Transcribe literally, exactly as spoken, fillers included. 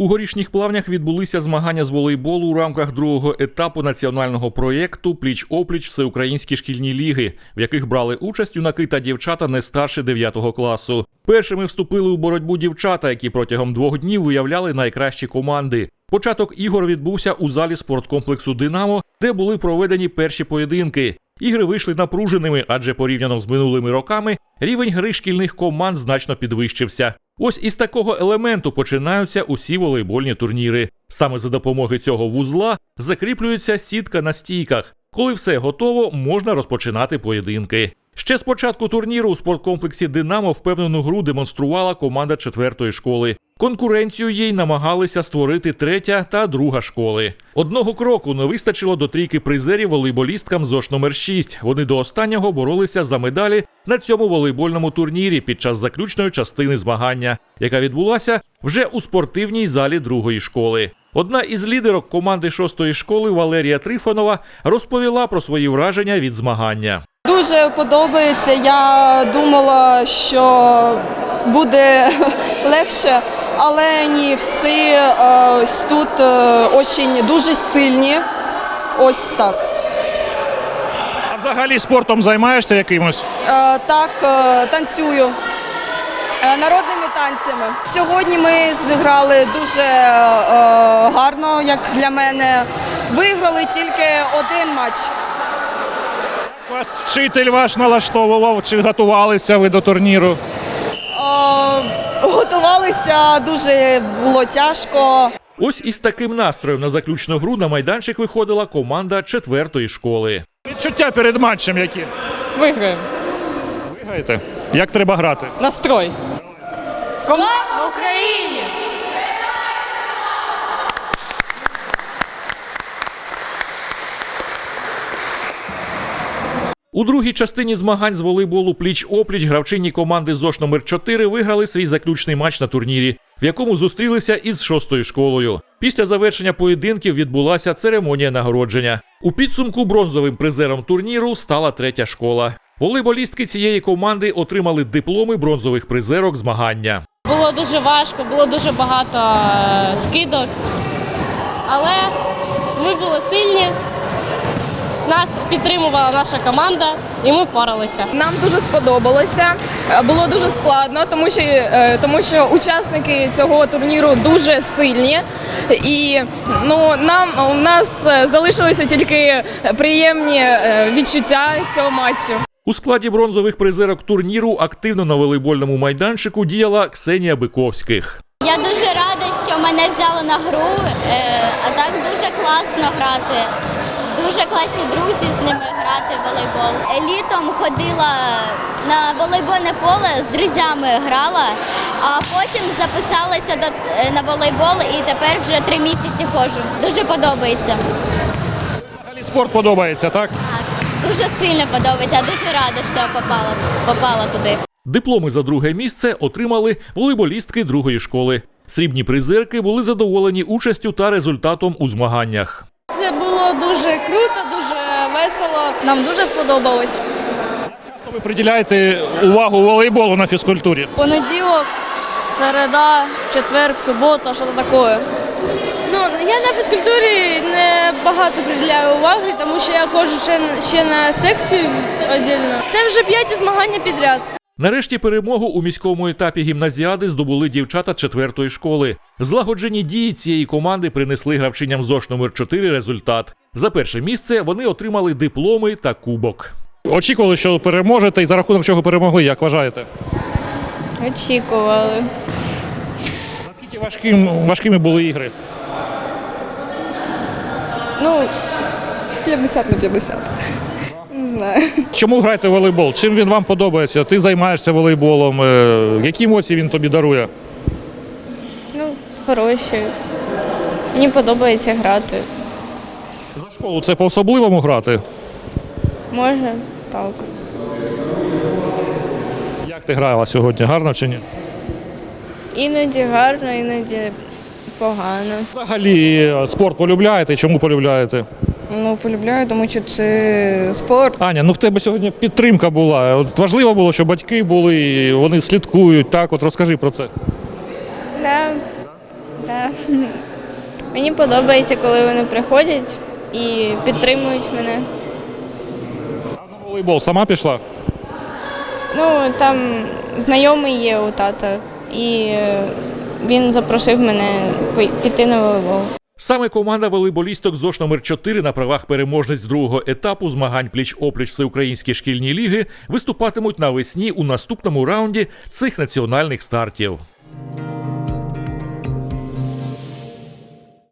У Горішніх Плавнях відбулися змагання з волейболу у рамках другого етапу національного проєкту «Пліч-опліч. Всеукраїнські шкільні ліги», в яких брали участь юнаки та дівчата не старше дев'ятого класу. Першими вступили у боротьбу дівчата, які протягом двох днів виявляли найкращі команди. Початок ігор відбувся у залі спорткомплексу «Динамо», де були проведені перші поєдинки. Ігри вийшли напруженими, адже порівняно з минулими роками рівень гри шкільних команд значно підвищився. Ось із такого елементу починаються усі волейбольні турніри. Саме за допомогою цього вузла закріплюється сітка на стійках. Коли все готово, можна розпочинати поєдинки. Ще з початку турніру у спорткомплексі «Динамо» впевнену гру демонструвала команда четвертої школи. Конкуренцію їй намагалися створити третя та друга школи. Одного кроку не вистачило до трійки призерів волейболісткам ЗОШ номер шість. Вони до останнього боролися за медалі на цьому волейбольному турнірі під час заключної частини змагання, яка відбулася вже у спортивній залі другої школи. Одна із лідерок команди шостої школи Валерія Трифонова розповіла про свої враження від змагання. Дуже подобається. Я думала, що буде легше, але ні, всі ось тут очень, дуже сильні. Ось так. А взагалі спортом займаєшся якимось? Так, танцюю. Народними танцями. Сьогодні ми зіграли дуже гарно, як для мене. Виграли тільки один матч. Вас вчитель ваш налаштовував, чи готувалися ви до турніру? О, готувалися, дуже було тяжко. Ось із таким настроєм на заключну гру на майданчик виходила команда четвертої школи. Відчуття перед матчем які? Виграємо. Виграєте? Як треба грати? Настрой. Слава Україні! У другій частині змагань з волейболу пліч-опліч гравчині команди ЗОШ номер чотири виграли свій заключний матч на турнірі, в якому зустрілися із шостою школою. Після завершення поєдинків відбулася церемонія нагородження. У підсумку бронзовим призером турніру стала третя школа. Волейболістки цієї команди отримали дипломи бронзових призерок змагання. Було дуже важко, було дуже багато скидок, але ми були сильні. Нас підтримувала наша команда, і ми впоралися. Нам дуже сподобалося, було дуже складно, тому що, тому що учасники цього турніру дуже сильні. І ну, нам, у нас залишилися тільки приємні відчуття цього матчу. У складі бронзових призерок турніру активно на волейбольному майданчику діяла Ксенія Биковських. Я дуже рада, що мене взяли на гру, а так дуже класно грати. Дуже класні друзі з ними грати в волейбол. Літом ходила на волейбольне поле, з друзями грала, а потім записалася до, на волейбол і тепер вже три місяці ходжу. Дуже подобається. Взагалі спорт подобається, так? Так, дуже сильно подобається. Я дуже рада, що я попала, попала туди. Дипломи за друге місце отримали волейболістки другої школи. Срібні призерки були задоволені участю та результатом у змаганнях. Це було дуже круто, дуже весело. Нам дуже сподобалось. Часто ви приділяєте увагу волейболу на фізкультурі? Понеділок, середа, четвер, субота, що таке. Ну, я на фізкультурі не багато приділяю уваги, тому що я ходжу ще, ще на секцію віддільно. Це вже п'яті змагання підряд. Нарешті перемогу у міському етапі гімназіади здобули дівчата четвертої школи. Злагоджені дії цієї команди принесли гравчиням ЗОШ номер чотири результат. За перше місце вони отримали дипломи та кубок. Очікували, що переможете, і за рахунок чого перемогли, як вважаєте? Очікували. Наскільки важким, важкими були ігри? Ну, п'ятдесят на п'ятдесят. Не знаю. Чому граєте в волейбол? Чим він вам подобається? Ти займаєшся волейболом. Які емоції він тобі дарує? Ну, хороші. Мені подобається грати. За школу це по-особливому грати? Може, так. Як ти грала сьогодні? Гарно чи ні? Іноді гарно, іноді погано. Взагалі спорт полюбляєте? Чому полюбляєте? Ну, полюбляю, тому що це спорт. Аня, ну в тебе сьогодні підтримка була. От важливо було, що батьки були, вони слідкують. Так, от розкажи про це. Да. Да. Мені подобається, коли вони приходять і підтримують мене. А на волейбол сама пішла? Ну, там знайомий є у тата, і е, він запросив мене пой- піти на волейбол. Саме команда волейболісток ЗОШ номер чотири на правах переможниць другого етапу змагань пліч-опліч Всеукраїнські шкільні ліги виступатимуть навесні у наступному раунді цих національних стартів.